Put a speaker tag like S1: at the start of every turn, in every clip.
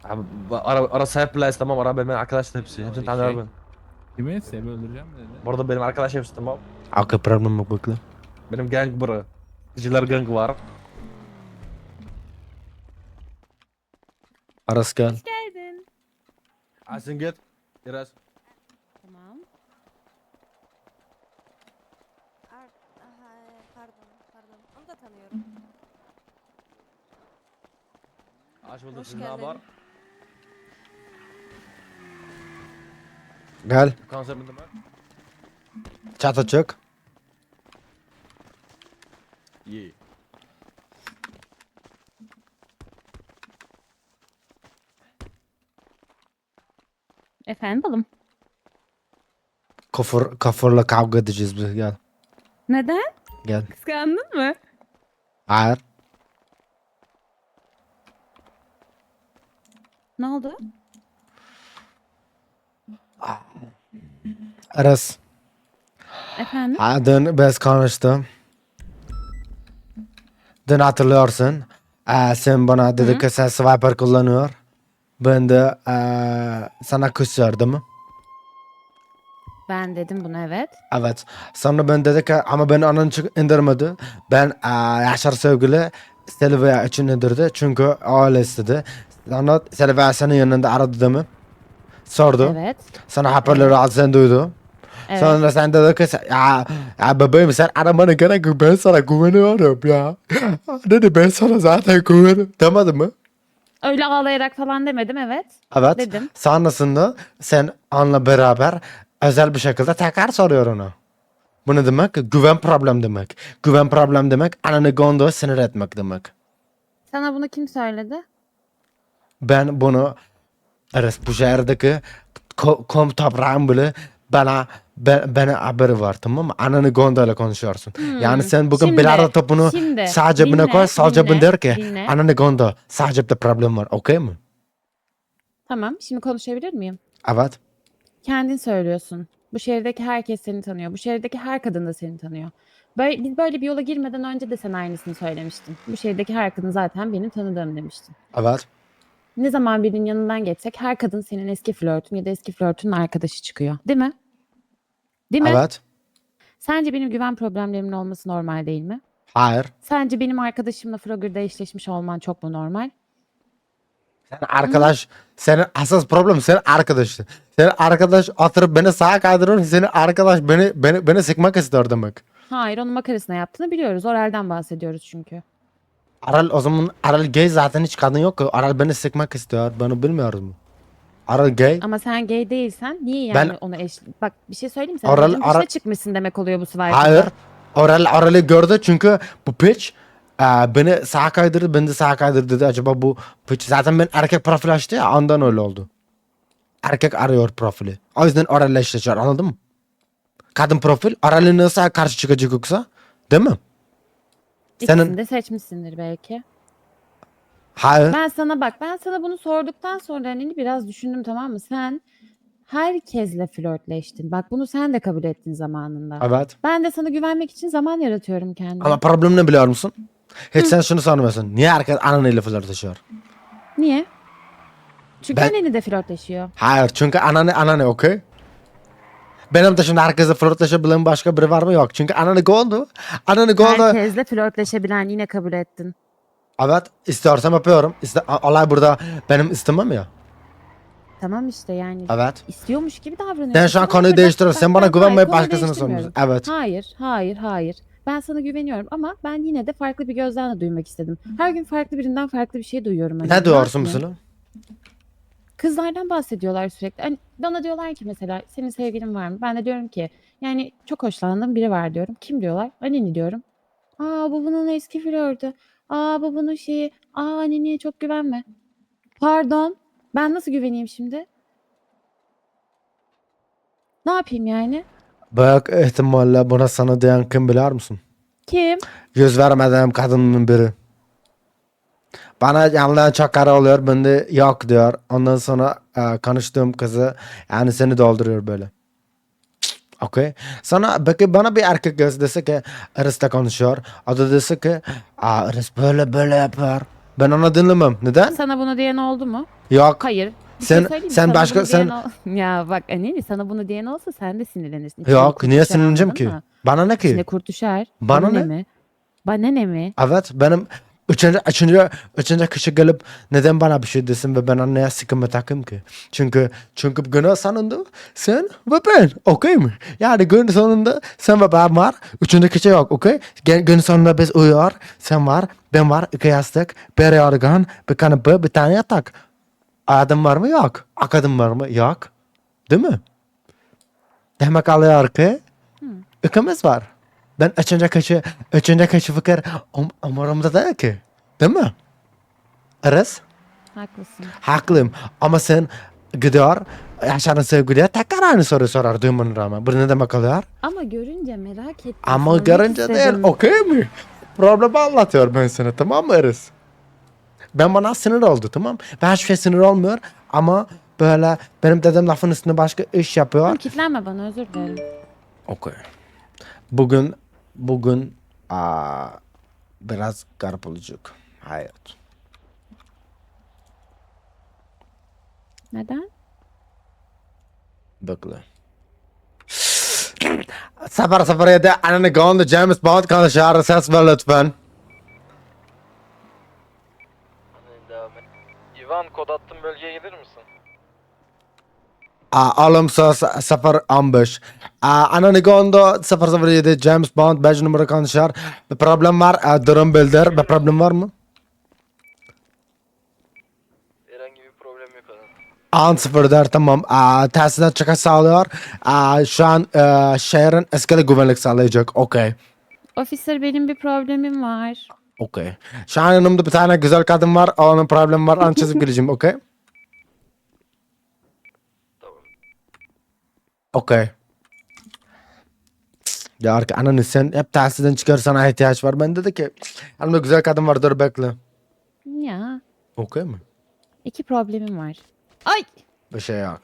S1: Abi, ara sahip bile istemem. Ara benim arkadaşlar hepsi. Hepsini tanıyorum ben.
S2: Kimi? Seni öldüreceğim mi dedi.
S1: Bu arada benim arkadaş hepsi tamam.
S3: Okey, problem yok, bekle.
S1: Benim gang bura. Kızılar gang var.
S3: Aras gel.
S4: Hoş geldin.
S1: Asin git. Biraz.
S4: Tamam. Pardon. Onu da tanıyorum.
S1: Aç bulduk.
S4: Hoş
S1: Siz ne
S4: geldin.
S1: haber?
S3: Gel.
S1: Konseptim ben.
S3: Çata çık.
S1: İyi.
S4: Efendim balım.
S3: Kafurla kavga edeceğiz biz, gel.
S4: Neden?
S3: Gel.
S4: Kıskandın mı?
S3: Hayır.
S4: Ne oldu?
S3: Aras.
S4: Efendim?
S3: Dün biz konuştum. Dün hatırlıyorsun. Sen bana dedi ki sen swiper kullanıyor. Ben de sana küsüyordum.
S4: Ben dedim bunu evet.
S3: Evet. Sonra ben dedi ki ama beni onun için indirmedi. Ben Yaşar sevgili Silvia için indirdi. Çünkü öyle istedi. Sonra Silvia senin yanında aradı değil mi? Sordu.
S4: Evet.
S3: Sana hoparlörü al, sen duydu.
S4: Evet.
S3: Sonra sen dedi ki ya bebeğim sen aramana gerek yok, ben sana güveniyorum ya. Dedi ben sana zaten güveniyorum. Demedi mi?
S4: Öyle ağlayarak falan demedim evet.
S3: Evet.
S4: Dedim.
S3: Sonrasında sen onunla beraber özel bir şekilde tekrar soruyor onu. Bu ne demek? Güven problem demek. Güven problem demek ananı gondoya sinir etmek demek.
S4: Sana bunu kim söyledi?
S3: Ben bunu bu şehirdeki kom toprağım bile bana haberi var, tamam mı? Ananı gondola konuşuyorsun. Yani sen bugün
S4: Şimdi,
S3: bilardo topunu
S4: şimdi,
S3: sağ cebine
S4: dinle,
S3: koy, sol cebine der ki
S4: dinle.
S3: ananı gondo sağ cepte problem var, okey mi?
S4: Tamam şimdi konuşabilir miyim?
S3: Evet.
S4: Kendin söylüyorsun. Bu şehirdeki herkes seni tanıyor. Bu şehirdeki her kadın da seni tanıyor. Biz böyle bir yola girmeden önce de sen aynısını söylemiştin. Bu şehirdeki her kadın zaten benim tanıdığım demiştin.
S3: Evet.
S4: Ne zaman birinin yanından geçsek her kadın senin eski flörtün ya da eski flörtünün arkadaşı çıkıyor. Değil mi? Değil mi?
S3: Evet.
S4: Sence benim güven problemlerimin olması normal değil mi?
S3: Hayır.
S4: Sence benim arkadaşımla Frogger'da eşleşmiş olman çok mu normal?
S3: Sen arkadaş, senin asas problem senin arkadaşın. Senin arkadaş oturup beni sağa kaydırıyor. Senin arkadaş beni sıkmak istiyor demek.
S4: Hayır, onun makarasına yaptığını biliyoruz. Oral'den bahsediyoruz çünkü.
S3: Aral o zaman Aral gay, zaten hiç kadın yok ki. Aral beni sıkmak istiyor. Bunu bilmiyoruz mu? Aral gay.
S4: Ama sen gay değilsen niye yani
S3: Ben-
S4: ona Bak bir şey söyleyeyim mi? Sen
S3: Oral-
S4: amacın dışına
S3: Oral-
S4: çıkmışsın demek oluyor bu
S3: Hayır.
S4: Swiper'da.
S3: Aral'ı gördü çünkü bu piç beni sağa kaydırdı. Ben de sağa kaydırdı dedi. Acaba bu piç zaten ben erkek profil açtı ya, ondan öyle oldu. Erkek arıyor profili. O yüzden Aral'la eşleşiyor, anladın mı? Kadın profil Aral'ı nasıl karşı çıkacak yoksa? Değil mi?
S4: İkisini de seçmişsindir belki.
S3: Hayır.
S4: Ben sana bunu sorduktan sonra hani biraz düşündüm tamam mı? Sen herkesle flörtleştin. Bak bunu sen de kabul ettin zamanında.
S3: Evet.
S4: Ben de sana güvenmek için zaman yaratıyorum kendime.
S3: Ama problem ne biliyor musun? Hiç sen şunu sanmıyorsun. Niye herkes ananıyla flörtleşiyor?
S4: Niye? Çünkü
S3: Ben-
S4: anneni de flörtleşiyor.
S3: Hayır, çünkü ananı okey? Benim de şimdi herkese flörtleşebilen başka biri var mı? Yok. Çünkü ananı goldu. Ananı goldu.
S4: Herkesle flörtleşebilen yine kabul ettin.
S3: Evet. İstiyorsam yapıyorum. Olay burada benim istemem ya.
S4: Tamam işte yani
S3: Evet.
S4: istiyormuş gibi davranıyorsun.
S3: Sen şu an
S4: Tamam
S3: konuyu
S4: mı?
S3: değiştiriyorsun. Sen bana
S4: hayır,
S3: güvenmeyip
S4: konuyu
S3: başkasını
S4: değiştirmiyorum.
S3: soruyorsun. Evet.
S4: Hayır. Ben sana güveniyorum ama ben yine de farklı bir gözden de duymak istedim. Her gün farklı birinden farklı bir şey duyuyorum. Hani.
S3: Ne diyorsun
S4: yapayım?
S3: mesela?
S4: Kızlardan bahsediyorlar sürekli. Hani bana diyorlar ki mesela senin sevgilin var mı? Ben de diyorum ki yani çok hoşlandığım biri var diyorum. Kim diyorlar? Anneni diyorum. Aa bu bunun eski flörtü. Aa bu bunun şeyi. Aa annene çok güvenme. Pardon. Ben nasıl güveneyim şimdi? Ne yapayım yani?
S3: Büyük ihtimalle buna sana diyen kim biliyor musun?
S4: Kim?
S3: Yüz vermediğim kadının biri. Bana yanlayan çok kara oluyor. Ben de yok diyor. Ondan sonra konuştuğum kızı yani seni dolduruyor böyle. Okey. Sonra peki bana bir erkek dese ki Iris'le konuşuyor. O da dese ki Iris böyle yapıyor. Ben onu dinlemem. Neden?
S4: Sana bunu diyen oldu mu?
S3: Yok.
S4: Hayır. Bir
S3: Sen-
S4: şey söyleyeyim mi?
S3: sen
S4: Sana
S3: başka-
S4: bunu diyen
S3: sen-
S4: Ya bak Aneli sana bunu diyen olsa sen de sinirlenirsin. İçine
S3: Yok
S4: kurt
S3: niye
S4: düşer,
S3: sinirleneceğim
S4: anladın
S3: ki?
S4: mı?
S3: Bana ne
S4: İçine
S3: ki?
S4: kurt düşer.
S3: Bana ne?
S4: mi? Bana ne mi?
S3: Evet benim üçüncü kişi gelip neden bana bir şey desin ve ben anneye sıkıntı takayım ki? Çünkü günün sonunda sen ve ben okey mi? Yani günün sonunda sen ve ben var. Üçüncü kişi yok okey? Günün sonunda biz uyuyor. Sen var. Ben var. İki yastık. Bir yorgan. Bir kanepe. Bir tane yatak. Adım var mı? Yok. Akadım var mı? Yok. Değil mi? Demek alıyor ki ikimiz var. Ben üçüncü kişi fikir umurumda değil ki. Değil mi? Aras?
S4: Haklısın.
S3: Haklıyım. Ama sen gidiyor, yaşadığın sevgiliye tekrar aynı soruyu sorar duymanın rağmen. Bu ne demek oluyor?
S4: Ama görünce merak ettim.
S3: Ama
S4: sormak
S3: görünce değil,
S4: istedim.
S3: okey mi? Problemi anlatıyor ben sana, tamam mı Aras? Ben bana sinir oldu, tamam. Ben hiçbir şey sinir olmuyor ama böyle benim dediğim lafın üstüne başka iş yapıyor.
S4: Tamam, kitlenme bana, özür dilerim.
S3: Okey. Bugün biraz garip olacak hayat.
S4: Neden?
S3: Bekle. 007 ananı gondu James Bond konuşuyor. Ses ver lütfen.
S1: Devam et. Ivan kod attım, bölgeye gelir misin?
S3: Olumsuz 015. Ananı gondu 007 James Bond 5 numara konuşuyor. Bir problem var. Durum bildir. Bir problem var mı?
S1: Herhangi bir problem yok adam.
S3: An 04 tamam. Tesisat çıkış sağlıyor. Şu an şehrin eskili güvenlik sağlayacak. Okey.
S4: Officer, benim bir problemim var.
S3: Okey. Şu an yanımda bir tane güzel kadın var. Onun problemi var. Onu çözüp geleceğim. Okey. Okey. Diyor ki ananı sen hep tahsilden çıkar, sana ihtiyaç var. Ben dedi ki yanımda güzel kadın var, dur bekle.
S4: Ya,
S3: Okey mi?
S4: 2 problemim var. Ay!
S3: Bir şey yok.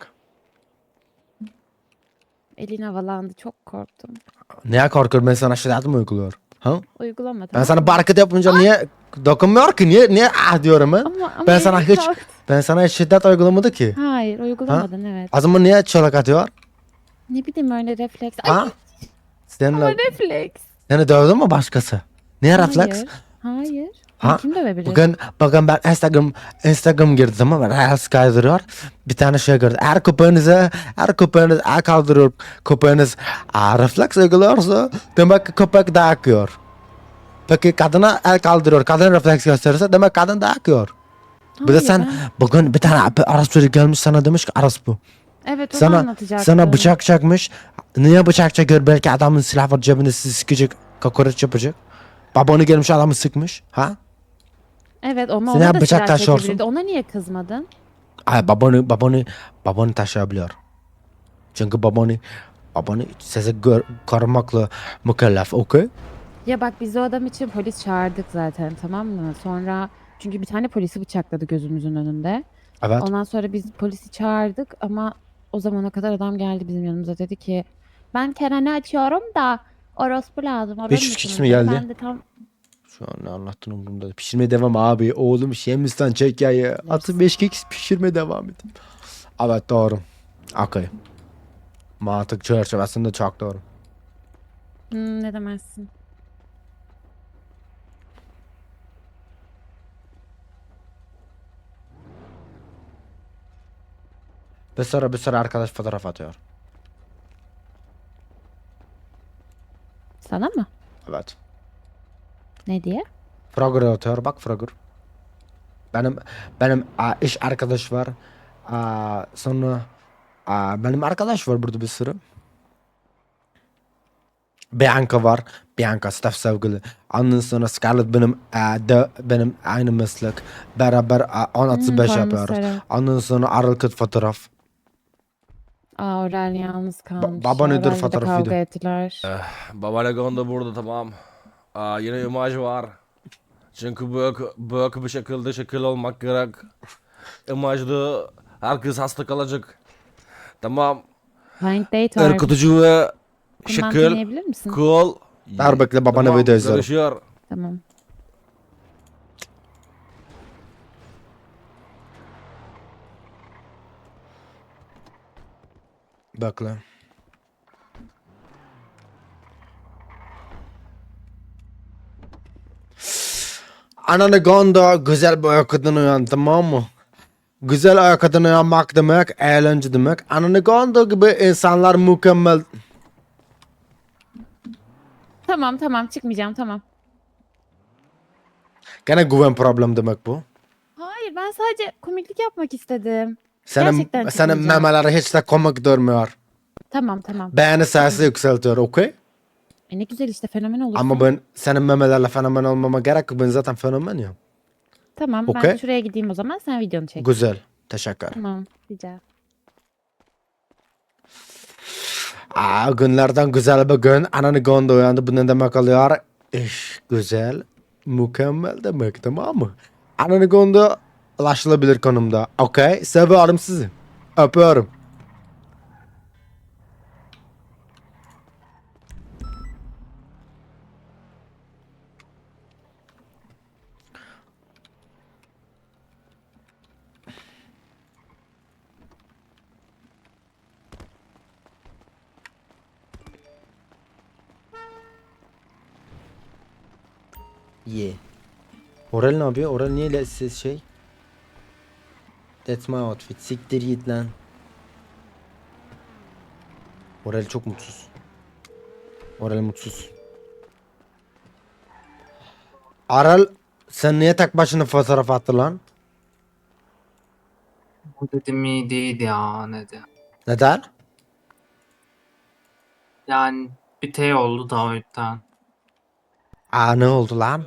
S4: Elin havalandı, çok korktum.
S3: Niye korkuyor, ben sana şiddet mi uyguluyor? Ha?
S4: Uygulama,
S3: Ben
S4: tamam
S3: sana
S4: mı?
S3: barkıt yapınca niye dokunmuyor ki? Niye diyorum ben?
S4: Ama
S3: Ben sana
S4: elim
S3: hiç
S4: kalktı.
S3: ben sana hiç şiddet uygulamadı ki.
S4: Hayır, uygulamadın, evet.
S3: O zaman niye çolak atıyor?
S4: Ne bileyim, öyle refleks. Ay,
S3: Ha?
S4: ama
S3: Seninle,
S4: refleks.
S3: seni dövdü mü başkası? Niye refleks?
S4: Hayır. Hayır.
S3: Ha?
S4: Kim dövebilir?
S3: Bugün ben Instagram girdim ama ben Reels kaydırıyor. Bir tane şey gördüm. Eğer köpeğiniz el kaldırıyor, köpeğiniz refleks uyguluyorsa demek ki köpek dayak yiyor. Peki kadına el kaldırıyor, kadın refleks gösterirse demek kadın dayak yiyor. Bir de
S4: Hayır,
S3: sen
S4: ben-
S3: bugün bir tane Aras biri gelmiş sana demiş ki Aras bu.
S4: Evet, onu
S3: Sana
S4: anlatacaktım.
S3: bıçak çakmış. Niye bıçak çekiyor? Belki adamın silah var cebinde, sizi sıkacak, kokoreç yapacak. Babanı gelmiş adamı sıkmış. Ha?
S4: Evet, ama
S3: Sen
S4: ona
S3: hep
S4: da
S3: bıçak
S4: silah
S3: taşıyorsun.
S4: çekebilirdi. Ona niye kızmadın?
S3: Ay babanı taşıyabiliyor. Çünkü babanı sizi korumakla mükellef, okey?
S4: Ya bak, biz o adam için polis çağırdık zaten, tamam mı? Sonra çünkü bir tane polisi bıçakladı gözümüzün önünde.
S3: Evet.
S4: Ondan sonra biz polisi çağırdık ama o zamana kadar adam geldi bizim yanımıza, dedi ki ben Keren'i açıyorum da orospu lazım. Arar
S3: 500
S4: mısınız?"
S3: kişi mi
S4: dedi.
S3: geldi?
S4: Ben de tam
S3: Şu an ne anlattın umurumda. Pişirmeye devam abi. Oğlum Şemistan çek yayı. 65 kek pişirmeye devam edin. Evet doğru. Okey. Mantık çerçevesinde çok doğru.
S4: ne demezsin.
S3: Bir sıra arkadaş fotoğraf atıyor.
S4: Sana mı?
S3: Evet.
S4: Ne diye?
S3: Frogger atıyor. Bak Frogger. Benim iş arkadaş var. Sonra benim arkadaş var burada bir sürü. Bianca var. Bianca staff sevgili. Ondan sonra Scarlett benim aynı meslek. Beraber 10-35 yapıyoruz.
S4: Parmasarı.
S3: Ondan sonra Aralkıt fotoğraf.
S4: Aurel yalnız kalmış.
S3: baba nedir
S4: Aurel'le de
S3: fotoğrafıydı?
S4: kavga ettiler.
S1: Babalegon da burada, tamam. Yine imaj var. Çünkü büyük bir şekilde şekil olmak gerek. İmajda herkes hasta kalacak. Tamam.
S4: Blind date var.
S1: Ürkütücü ve
S4: Bundan
S1: şekil,
S4: dinleyebilir misin?
S3: Ver bekle babana video izlerim.
S1: Görüşüyor.
S4: Tamam.
S3: Bekle. Ananı gonda güzel bir uykudan uyan, tamam mı? Güzel uykudan uyanmak demek, eğlence demek. Ananı gonda gibi insanlar mükemmel.
S4: Tamam çıkmayacağım tamam.
S3: Gene güven problem demek bu.
S4: Hayır ben sadece komiklik yapmak istedim.
S3: Senin,
S4: Gerçekten
S3: senin
S4: çıkmayacağım.
S3: memeleri hiç de komik durmuyor.
S4: Tamam.
S3: Beğeni sesi yükseltiyor, okey?
S4: Ne güzel işte fenomen olursun.
S3: Ama ben senin memelerle fenomen olmama gerek yok. Ben zaten fenomen ya.
S4: Tamam ben
S3: Okey.
S4: şuraya gideyim o zaman sen videonu çek.
S3: Güzel. Teşekkür.
S4: Tamam rica.
S3: Günlerden güzel bir gün. Ananı gonda uyandı. Bu ne demek oluyor? İş güzel. Mükemmel demek, tamam mı? Ananı gonda ulaşılabilir konumda. Okey. Seviyorum sizi. Öpüyorum. Yeah. Oral ne yapıyor? Oral niye siz şey? That's my outfit. Siktir git lan. Oral çok mutsuz. Oral mutsuz. Aral sen niye tek başına fotoğraf attın lan?
S5: Bu dedim iyi değil ya dedi.
S3: Neden?
S5: Yani bir şey oldu da o yüzden.
S3: Ne oldu lan?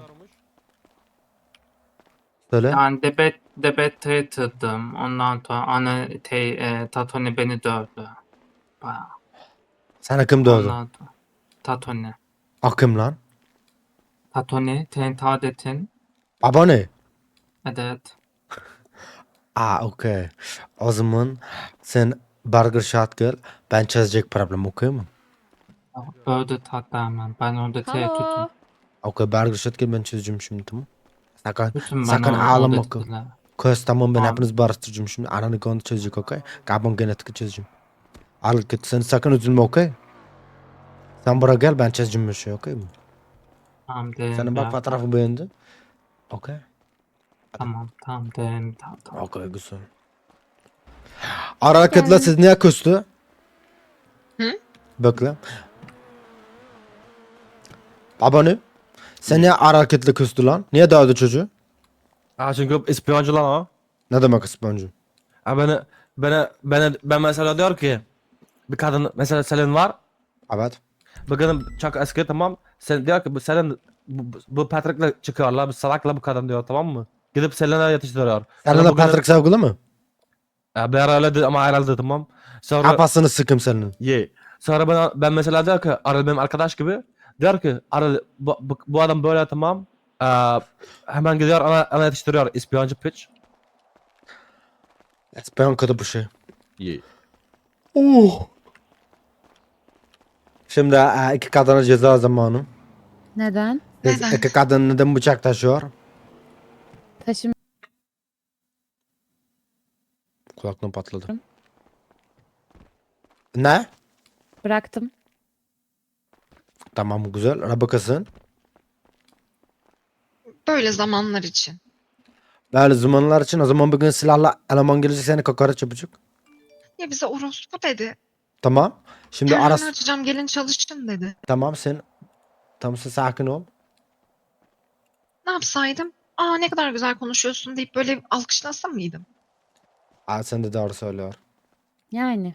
S3: Söyle.
S5: Yani debet tırdım. Ondan sonra Tatone beni dövdü. Bayağı.
S3: Sana kim dövdü?
S5: Ondan sonra Tatone.
S3: Kim lan?
S5: Tatone, Tadet'in.
S3: Baba ne?
S5: Evet.
S3: Okey. O zaman sen burger shot gel. Ben çözecek problem, okey mi?
S5: Dövdü tatlı hemen. Ben orada tuttum.
S4: Alo.
S3: Okey, burger shot gel, ben çözeceğim şimdi, tamam.
S5: Bütün
S3: Sakın
S5: bana
S3: ağlama.
S5: orada dediler.
S3: Köz tamam, ben
S5: Tamam.
S3: hepiniz barıştıracağım şimdi. Ananı konu çözecek, okey? Kabon genetik çözeceğim. Al git, sen sakın üzülme, okey? Sen buraya gel, ben çözeceğim bir şey, okey mi?
S5: Tamam derim.
S3: Senin bak fotoğrafı beğendi. Okey.
S5: Tamam derim. Tamam.
S3: Okey, güzel. Hareketler siz niye küstü?
S6: Hı?
S3: Bekle. Baba ne? Sen niye hareketli küstü lan? Niye dövdü çocuğu?
S1: Çünkü ispiyoncu lan o.
S3: Ne demek İspanyolca?
S1: Ben mesela diyor ki bir kadın mesela Selin var.
S3: Evet.
S1: Bu kadın çok eski, tamam. Sen diyor ki bu Selin bu Patrick'le çıkıyorlar. Bu salakla bu kadın diyor, tamam mı? Gidip Selin'e yetiştiriyor.
S3: Seninle
S1: Bugün-
S3: Patrick sevgili mi?
S1: Bir ara öyle ama ayrıldı, tamam. Sonra
S3: Kafasını sıkım senin.
S1: Sonra ben mesela diyor ki Arıl benim arkadaş gibi. Diyor ki Arıl bu adam böyle, tamam. Hemen gidiyor ona yetiştiriyor ispiyoncu piç.
S3: İspanyol kötü bir şey.
S1: Yeah.
S3: Şimdi iki kadına ceza zamanı.
S4: Neden?
S6: Neden?
S3: İki kadın neden bıçak taşıyor?
S4: Taşım
S3: Kulaktan patladı. Ne?
S4: bıraktım.
S3: Tamam, güzel. Rabakasın.
S6: Böyle zamanlar için.
S3: Böyle zamanlar için o zaman bugün silahla eleman gelecek, seni kokoreç yapacak.
S6: Ya bize orospu dedi.
S3: Tamam. Şimdi
S6: Kendini
S3: aras...
S6: açacağım gelin çalışın dedi.
S3: Tamam sen sakin ol.
S6: Ne yapsaydım? Ne kadar güzel konuşuyorsun deyip böyle alkışlasa mıydım?
S3: Sen de doğru söylüyor.
S4: Yani.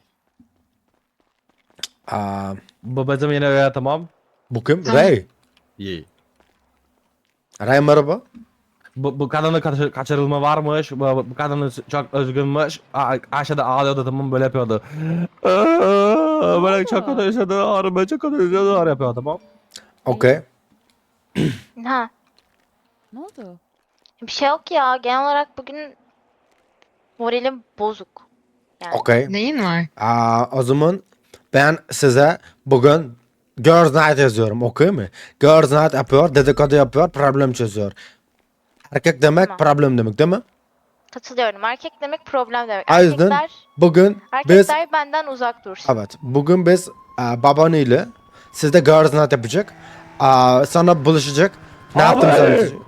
S1: Bu bizim yine öyle, tamam.
S3: Bu kim?
S6: Tamam.
S3: Ray.
S1: Yeah.
S3: Ray merhaba.
S1: Bu kadının kaçırılma varmış. Bu kadının çok özgünmüş. Aşağıda ağlıyordu, tamam, böyle yapıyordu. Böyle çok kötü yaşadı. Ben çok kötü yaşadı. Yapıyor, tamam.
S3: Okey.
S7: Ha,
S4: Ne oldu?
S7: bir şey yok ya. Genel olarak bugün moralim bozuk. Yani
S3: Okey.
S6: Neyin var?
S3: O zaman ben size bugün Girls Night yazıyorum, okey mi? Girls Night yapıyor, dedikodu yapıyor, problem çözüyor. Erkek demek
S7: Tamam.
S3: problem demek, değil mi?
S7: katılıyorum. Erkek demek problem demek.
S3: O yüzden-
S7: Erkekler
S3: bugün biz
S7: Erkekler benden uzak dursun.
S3: evet bugün biz babanıyla sizde girls night yapacak. Sonra buluşacak. Ne
S1: Abi!
S3: yaptığımızı anlatacak.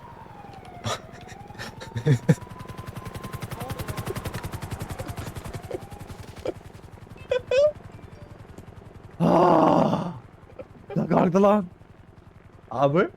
S1: Ne kalktı lan? Abi?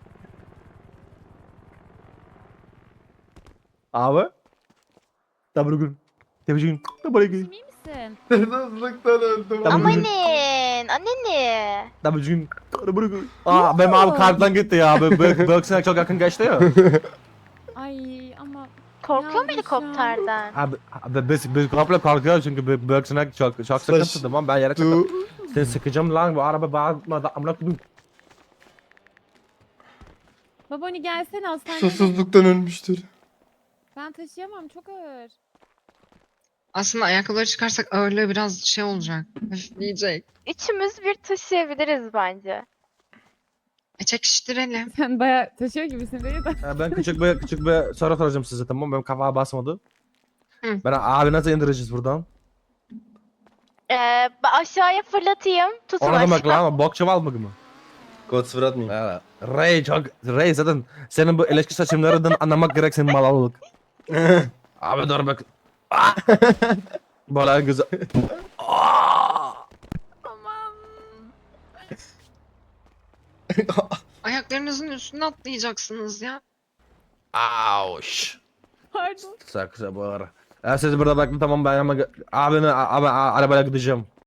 S1: Abi? Tabrugun. Tebicin. Tabrugun.
S4: İyi misin?
S3: Hırsızlıktan öldüm.
S7: Amanin, anneni.
S1: Tabrugun. Tabrugun. Benim abi kalpten gitti ya. Böksüne çok yakın geçti ya.
S4: Ay ama
S7: Korkuyor mu
S4: Yavrum
S7: helikopterden?
S1: Abi biz komple kalkıyoruz çünkü böksüne çok sıkıntı tamam ben yere çıktım. Seni sıkacağım lan bu araba bağırma amına koyayım.
S4: babani gelsene hastaneye.
S3: Susuzluktan ölmüştür.
S4: Ben taşıyamam çok ağır.
S6: Aslında ayakkabıları çıkarsak ağırlığı biraz şey olacak. Hafifleyecek.
S7: Üçümüz bir taşıyabiliriz bence.
S6: Çekiştirelim.
S4: Sen bayağı taşıyor gibisin değil mi?
S1: Ben küçük bir soru soracağım size tamam mı? Benim kafaya basmadı.
S6: Hı.
S1: Ben abi nasıl indireceğiz buradan?
S7: Aşağıya fırlatayım. Tutun
S1: Ona demek
S7: aşağı.
S1: lan bok çuval mı?
S3: Kod sıfır atmayayım.
S1: Evet. Ray zaten senin bu ilişki seçimlerinden anlamak gerek senin malalık. Abi dur bak. Böyle güzel.
S4: Tamam.
S6: Ayaklarınızın üstüne atlayacaksınız ya.
S1: Auş.
S4: Pardon.
S1: Saksı bu ara. Siz burada bakın tamam ben ama abi arabayla gideceğim.